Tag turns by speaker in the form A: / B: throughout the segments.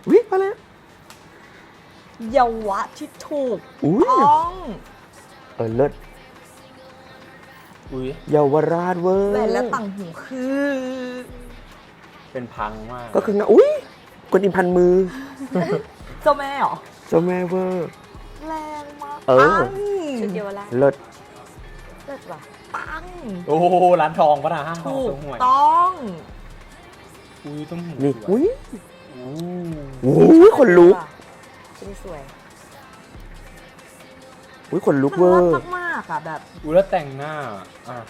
A: วิมาแล้ว
B: เยาวะที่ถูก
A: อุ้ย
B: ต้อง
A: เลิศ
C: อุ้ย
A: เยาวราชเวอร์
B: แหวนและต่างหูคือ
C: เป็นพังมาก
A: ก็คืองาอุ้ยกวนอิมพันมือ
B: เจ้าแม่เหรอ
A: เจ้าแม่เวอร์
B: แรงมาก
A: เออ
D: ชุดเดียวละ
A: เลิศ
D: เลิศว่ะ
B: ปัง
C: โอ้โหร้านทองปะนะห้างทอง
B: ถู
C: ส
B: ก
C: หวย
B: ต้อง
C: อุ้ยต้องหู
A: นี่
C: สว
A: อุ้
C: ย
A: ย
C: อู้
A: อุ้ยขนลุก
D: ชุดนี้สวย
A: อุ้ยขนลุก
B: มัน
A: เวอ
B: รั
A: ร์
B: กมากๆอ่ะแบบ
C: อุ้ยแล้วแต่งหน้าอ่ะ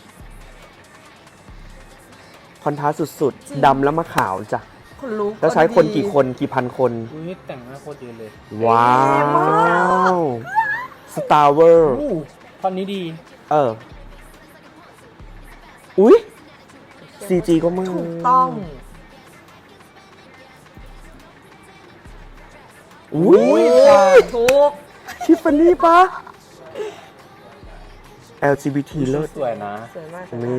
A: คอนทราสต์สุดๆ ดำแล้วมาขาวจ้ะ
B: คนลุก
A: แล้วใช้คนกี่คนกี่พันคน
C: อุ้ยแต่งหน้าโคตรดีเลย
A: ว้าวสตาร์เวอร์
C: อู้ตอนนี้ดี
A: อุ้ย CG ก็มาก
B: ถูกต้อง
A: อุ้ย
B: ถูก
A: ทิฟฟานี่ปะ LGBT เลิศ
C: สวยนะ
D: สวยมากสวยมาก
A: นี่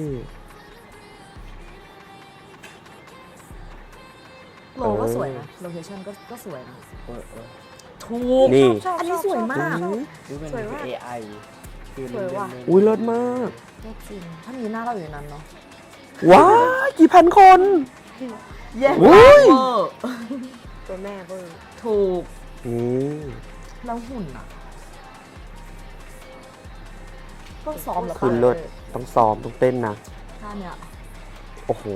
B: โลก็สวยนะ โลเคชั่นก็สวยนะ
C: เออ
B: ถูก
A: นี่
D: ชอบ
B: อันนี้สวยมาก
C: ดูเป็น
D: สวยมาก
C: AI คือ
D: สวยว่ะ
A: อุ้ยเลิศมาก
B: จริง ถ้ามีหน้าเราอยู่ในนั้นเนาะ
A: ว้ายกี่พันคน
B: เย้
A: อุ้ย
B: เวอร์
D: ตัวแม่เวอร์
B: ถูก
A: นี่
B: แล้วหุ่นอ่ะ ต้องซ้อมแล้ว
A: คือ
B: ป่ะ
A: เลิศต้องซ้อมต้องเต้นนะ
B: ท่าเนี้ย
A: โอ้โห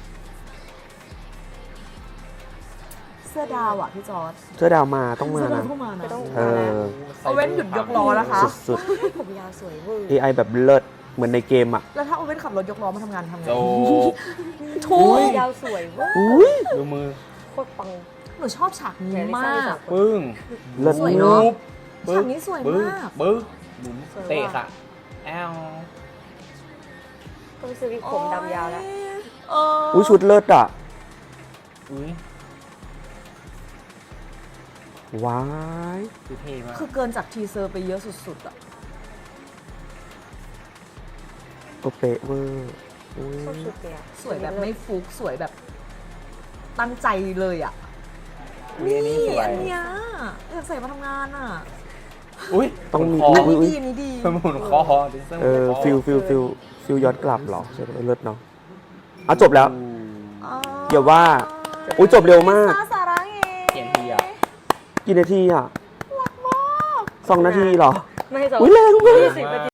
B: เสื้อดาวอ่ะพี่จอร์ด
A: เสื้อดาวมาต้องมา
B: เสื้อดาว
A: นะ
B: เข้ามานะ
D: ก็ต้อง
A: เออ
B: เอาเว้นหยุดยกล้อนะคะ
A: สุด
D: ผมยาวสวยเวอร์
A: ๆ AI แบบเลิศเหมือนในเกมอ่ะ
B: แล้วถ้าเอาเว้นขับรถยกล้อมาทำงานทำไง
C: โอ้
B: ถูก
D: ยาวสวยเวอร์
A: อุ้ย
C: ดูมือ
D: โคตรปัง
B: หนูชอบฉากนี้มาก
C: ปึ้ง
A: เลิศ
B: สวย
A: มา
B: เนอะ
A: ก
B: ฉากนี้สวยมาก
C: บึ้งบุ๋มเตะค่ะแอล
D: ต้องซื้อวิกผมดำยาวแล้ว
B: เออ
A: อุ้ยชุดเลิศอ่ะ
C: อุ้ย
A: ว้าย
C: ดูเท่มาก
B: คือเกินจากทีเซอร์ไปเยอะสุดๆอ่ะ
A: ก็เป๊ะเวอร์อุ้ย
D: ชอบชุดเนี้ย
B: สวยแบบไม่ฟุกสวยแบบตั้งใจเลยอ่ะ
C: อุ้ยอันนี้สวย
B: อันเนี้ยอยากใส่มาทำงานอ่ะ
C: อุ้ย
A: ต้องมี
C: คอ
A: อุ๊ย
B: นี่ดีอันนี้ดี
C: หมุนคอดิเซอร์
A: ฟิลย้อนกลับเหรอใช่ไหมเลิศเนาะอ่ะจบแล้ว
B: อ๋อ
A: อย่าว่า อุ๊ยจบเร็วมาก
B: สาระเง
C: เขียนทีอ่ะ
A: กี่นาทีอ่ะ2 นาทีเหรอ
D: ไม่ให้สอง
A: อุ้ยแรงมาก
D: 20 นาที